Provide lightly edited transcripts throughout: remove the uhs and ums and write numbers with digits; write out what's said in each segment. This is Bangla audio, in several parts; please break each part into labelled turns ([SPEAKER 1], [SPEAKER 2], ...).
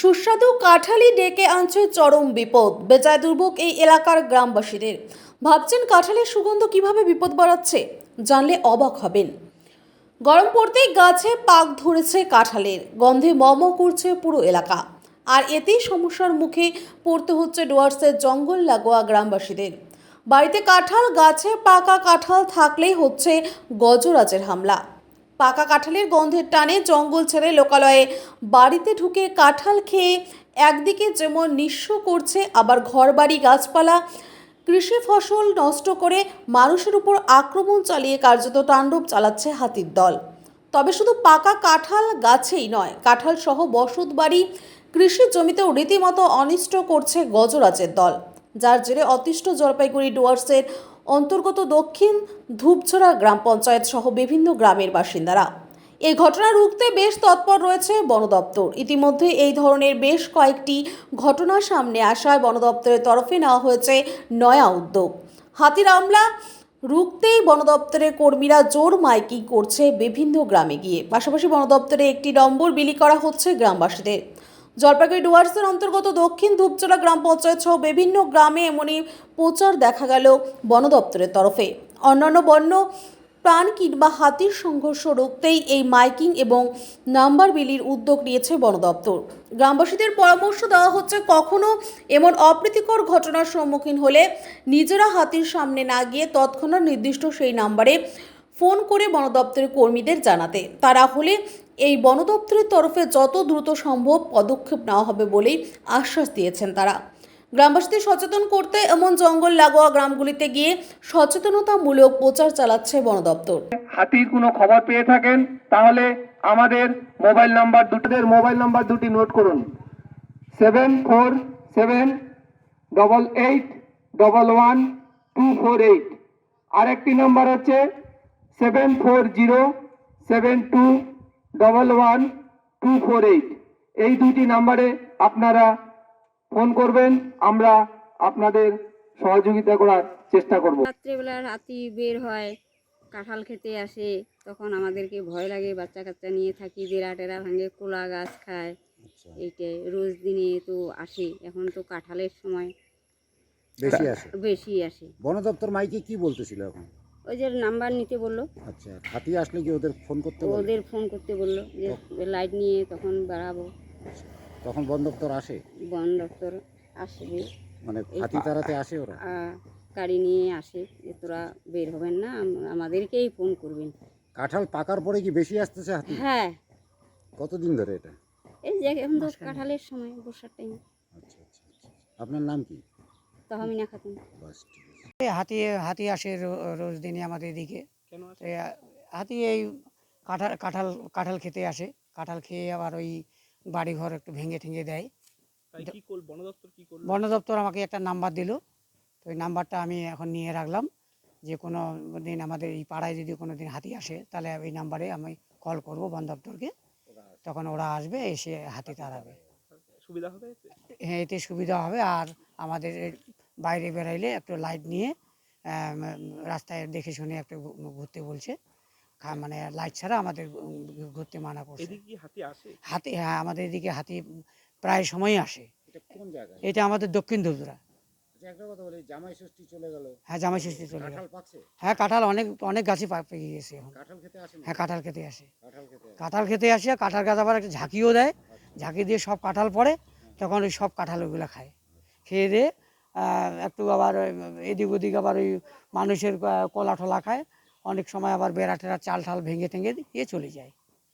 [SPEAKER 1] সুস্বাদু কাঁঠালি ডেকে আনছে চরম বিপদ। বেজায় দুর্ভোগ এই এলাকার গ্রামবাসীদের। ভাবছেন কাঁঠালের সুগন্ধ কিভাবে বিপদ বাড়াচ্ছে? জানলে অবাক হবেন। গরম পড়তেই গাছে পাক ধরেছে কাঁঠালের, গন্ধে ম করছে পুরো এলাকা। আর এতেই সমস্যার মুখে পড়তে হচ্ছে ডুয়ার্সের জঙ্গল লাগোয়া গ্রামবাসীদের। বাড়িতে কাঁঠাল গাছে পাকা কাঁঠাল থাকলেই হচ্ছে গজরাজের হামলা। পাকা কাঁঠালের গন্ধের টানে জঙ্গল ছেড়ে লোকালয়ে বাড়িতে ঢুকে কাঁঠাল খেয়ে একদিকে যেমন নিঃস্ব করছে, আবার ঘরবাড়ি গাছপালা কৃষি ফসল নষ্ট করে মানুষের উপর আক্রমণ চালিয়ে কার্যত তাণ্ডব চালাচ্ছে হাতির দল। তবে শুধু পাকা কাঁঠাল গাছেই নয়, কাঁঠাল সহ বসত বাড়ি কৃষি জমিতেও রীতিমতো অনিষ্ট করছে গজরাজের দল, যার জেরে অতিষ্ঠ জলপাইগুড়ি ডুয়ার্সের অন্তর্গত দক্ষিণ ধূপছড়া গ্রাম পঞ্চায়েত সহ বিভিন্ন গ্রামের বাসিন্দারা। এই ঘটনা রুখতে বেশ তৎপর রয়েছে বন দপ্তর। ইতিমধ্যে এই ধরনের বেশ কয়েকটি ঘটনা সামনে আসায় বন দপ্তরের তরফে নেওয়া হয়েছে নয়া উদ্যোগ। হাতির আমলা রুখতেই বন দপ্তরের কর্মীরা জোর মাইকিং করছে বিভিন্ন গ্রামে গিয়ে। পাশাপাশি বন দপ্তরে একটি নম্বর বিলি করা হচ্ছে গ্রামবাসীদের। জলপাইগুড়ি ডুয়ার্সের অন্তর্গত দক্ষিণ ধূপচড়া গ্রাম পঞ্চায়েত সহ বিভিন্ন গ্রামে এমনই প্রচার দেখা গেল বন দপ্তরের তরফে। অন্যান্য বন্য প্রাণ কিংবা হাতির সংঘর্ষ রুখতেই এই মাইকিং এবং নাম্বার বিলির উদ্যোগ নিয়েছে বন দপ্তর। গ্রামবাসীদের পরামর্শ দেওয়া হচ্ছে, কখনো এমন অপ্রীতিকর ঘটনার সম্মুখীন হলে নিজেরা হাতির সামনে না গিয়ে তৎক্ষণাৎ নির্দিষ্ট সেই নাম্বারে ফোন করে বন দপ্তরের কর্মীদের জানাতে। তারা হলে এই বন দপ্তরের তরফে যত দ্রুত সম্ভব পদক্ষেপ নেওয়া হবে বলেই আশ্বাস দিয়েছেন তারা। গ্রামবাসীদের সচেতন করতে এমন জঙ্গল লাগোয়া গ্রামগুলিতে গিয়ে সচেতনতামূলক প্রচার চালাচ্ছে বন দপ্তর।
[SPEAKER 2] হাতির কোনো খবর পেয়ে থাকেন তাহলে আমাদের মোবাইল নাম্বার দুটি নোট করুন। 7478811248। আরেকটি নাম্বার হচ্ছে 7407211248। এই দুটি নাম্বারে আপনারা ফোন করবেন, আমরা আপনাদের সহযোগিতা করার চেষ্টা করব।
[SPEAKER 3] রাত্রেবেলা হাতি বের হয়, কাঁঠাল খেতে আসে, তখন আমাদেরকে ভয় লাগে। বাচ্চা কাচ্চা নিয়ে থাকি, বেড়া টেরা ভাঙে, কোলা গাছ খায়। এইটাই রোজ দিনে তো আসে। এখন তো কাঁঠালের সময় বেশি আসে।
[SPEAKER 4] বন দপ্তর মাইকে কি বলতেছিল এখন?
[SPEAKER 3] ওই যে নাম্বার নিতে বললো।
[SPEAKER 4] আচ্ছা, হাতি আসলে কি ওদের ফোন করতে বললো?
[SPEAKER 3] ওদের ফোন করতে বললো যে লাইট নিয়ে তখন বেড়াবো।
[SPEAKER 4] তখন বন দপ্তর আসে?
[SPEAKER 3] বন দপ্তর আসবে,
[SPEAKER 4] মানে হাতি তাড়াতে আসে ওরা?
[SPEAKER 3] গাড়ি নিয়ে আসে যে তোরা বের হবেন না, আমাদেরকেই ফোন করবেন।
[SPEAKER 4] কাঁঠাল পাকার পরে কি বেশি আসতেছে হাতি?
[SPEAKER 3] হ্যাঁ।
[SPEAKER 4] কতদিন ধরে এটা?
[SPEAKER 3] এই যে এখন তো কাঁঠালের সময়, বর্ষার টাইম।
[SPEAKER 4] আচ্ছা আচ্ছা আচ্ছা। আপনার নাম কি?
[SPEAKER 3] তহমিনা খাতুন।
[SPEAKER 4] বাস, ঠিক আছে।
[SPEAKER 5] হাতি আসে রোজ দিনই আমাদের এদিকে। হাতি এই কাঁঠাল খেতে আসে। কাঁঠাল খেয়ে আবার ওই বাড়িঘর একটু ভেঙে ঠেঙে দেয়। বন দপ্তর আমাকে একটা নাম্বার দিল, তো ওই নাম্বারটা আমি এখন নিয়ে রাখলাম যে কোনো দিন আমাদের এই পাড়ায় যদি কোনো দিন হাতি আসে তাহলে এই নাম্বারে আমি কল করব বন দপ্তরকে, তখন ওরা আসবে, এসে হাতি তাড়াবে।
[SPEAKER 6] সুবিধা হবে?
[SPEAKER 5] হ্যাঁ, এতে সুবিধা হবে। আর আমাদের বাইরে বেরাইলে একটু লাইট নিয়ে রাস্তায় দেখে শুনে একটু ঘুরতে বলছে। মানে লাইট ছাড়া আমাদের ঘুরতে মানা করছে। হাতি, হ্যাঁ, আমাদের এদিকে হাতি প্রায় সময়ই আসে। এটা আমাদের দক্ষিণ ধূপছড়া।
[SPEAKER 4] জামাই ষষ্ঠী চলে গেল।
[SPEAKER 5] হ্যাঁ, জামাই ষষ্ঠী চলে গেল।
[SPEAKER 4] হ্যাঁ,
[SPEAKER 5] কাঁঠাল অনেক গাছই পেকে গেছে এখন। হ্যাঁ, কাঁঠাল খেতে আসে। কাঁঠাল গাছ আবার একটা ঝাঁকিও দেয়। ঝাঁকি দিয়ে সব কাঁঠাল পড়ে, তখন ওই সব কাঁঠাল ওইগুলো খায়। খেয়ে দিয়ে একটু আবার এদিক ওদিক আবার ওই মানুষের কলা টলা খায়। অনেক সময় আবার বেড়া টেরা চাল ঠাল ভেঙে টেঙে দিয়ে চলে যায়।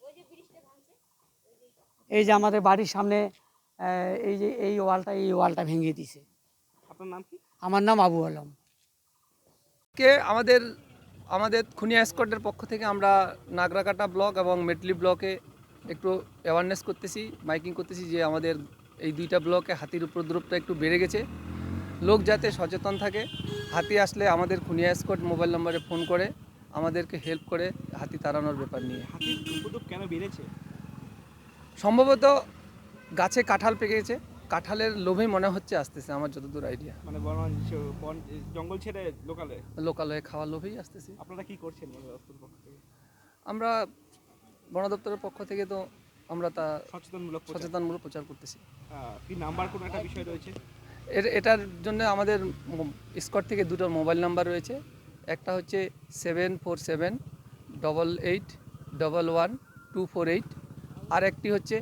[SPEAKER 5] এই যে আমাদের বাড়ির সামনে এই ওয়ালটা ভেঙে দিছে।
[SPEAKER 6] আপনার নাম কি?
[SPEAKER 5] আমার নাম আবু আলম।
[SPEAKER 6] আমাদের খুনিয়া স্কোয়াডের পক্ষ থেকে আমরা নাগরাকাটা ব্লক এবং মেটলি ব্লকে একটু অ্যাওয়ারনেস করতেছি, মাইকিং করতেছি যে আমাদের এই দুইটা ব্লকে হাতির উপদ্রবটা একটু বেড়ে গেছে। লোক যাতে সচেতন থাকে, হাতি আসলে আমাদের খুনিয়া স্কোয়াড মোবাইল নম্বরে ফোন করে আমাদেরকে হেল্প করে হাতি তাড়ানোর ব্যাপার নিয়ে।
[SPEAKER 7] হাতির উপদ্রব কেন বেড়েছে?
[SPEAKER 6] সম্ভবত গাছে কাঁঠাল পেকে গেছে, কাঁঠালের লোভেই মনে হচ্ছে আসতেছে, আমার যতদূর আইডিয়া।
[SPEAKER 7] মানে জঙ্গল ছেড়ে
[SPEAKER 6] লোকালয়ে খাওয়ার লোভেই আসতেছে।
[SPEAKER 7] আপনারা কি করছেন বন দপ্তরের পক্ষ থেকে?
[SPEAKER 6] আমরা বন দপ্তরের পক্ষ থেকে তো আমরা তা
[SPEAKER 7] সচেতনমূলক প্রচার।
[SPEAKER 6] সচেতনমূলক প্রচার করতেছি।
[SPEAKER 7] কি নাম্বার কোনো একটা বিষয় রয়েছে?
[SPEAKER 6] এটার জন্য আমাদের স্কট থেকে দুটো মোবাইল নাম্বার রয়েছে। একটা হচ্ছে 7478881248, আর একটি হচ্ছে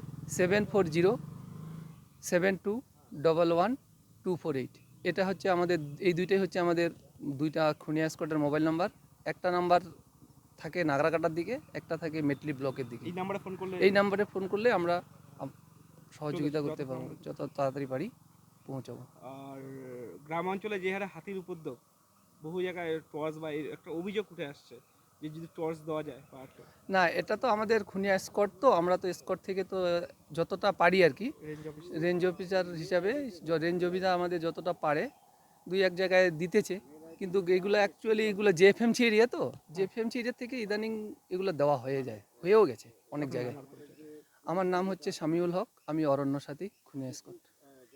[SPEAKER 6] 7407211248। এটা হচ্ছে আমাদের, এই দুইটাই হচ্ছে আমাদের দুইটা খুনিয়া স্কটের মোবাইল নাম্বার। একটা নাম্বার থাকে নাগরাকাটার দিকে, একটা থাকে মেটলি ব্লকের দিকে।
[SPEAKER 7] এই নাম্বারে ফোন করলে
[SPEAKER 6] এই নাম্বারে ফোন করলে আমরা সহযোগিতা করতে পারবো, যত তাড়াতাড়ি পারি পৌঁছাবো।
[SPEAKER 7] আর গ্রাম অঞ্চলে যে হারে হাতির উপদ্রব, বহু জায়গায় টর্চ বা একটা অভিযোগ উঠে আসছে যে যদি টর্চ দেওয়া যায় পাহাড়কে,
[SPEAKER 6] না, এটা তো আমাদের খুনিয়া স্কট, তো আমরা তো স্কট থেকে তো যতটা পারি আর কি,
[SPEAKER 7] রেঞ্জ অফিস
[SPEAKER 6] রেঞ্জ অফিসার হিসাবে রেঞ্জ অফিসার আমাদের যতটা পারে দুই এক জায়গায় দিতেছে, কিন্তু এগুলো অ্যাকচুয়ালি এগুলো জেএফএমসি এরিয়া, তো জেএফএমসি এরিয়া থেকে ইদানিং এগুলো দেওয়া হয়েও গেছে অনেক জায়গায়। আমার নাম হচ্ছে শামিউল হক, আমি অরণ্য সাথী, খুনিয়া স্কট।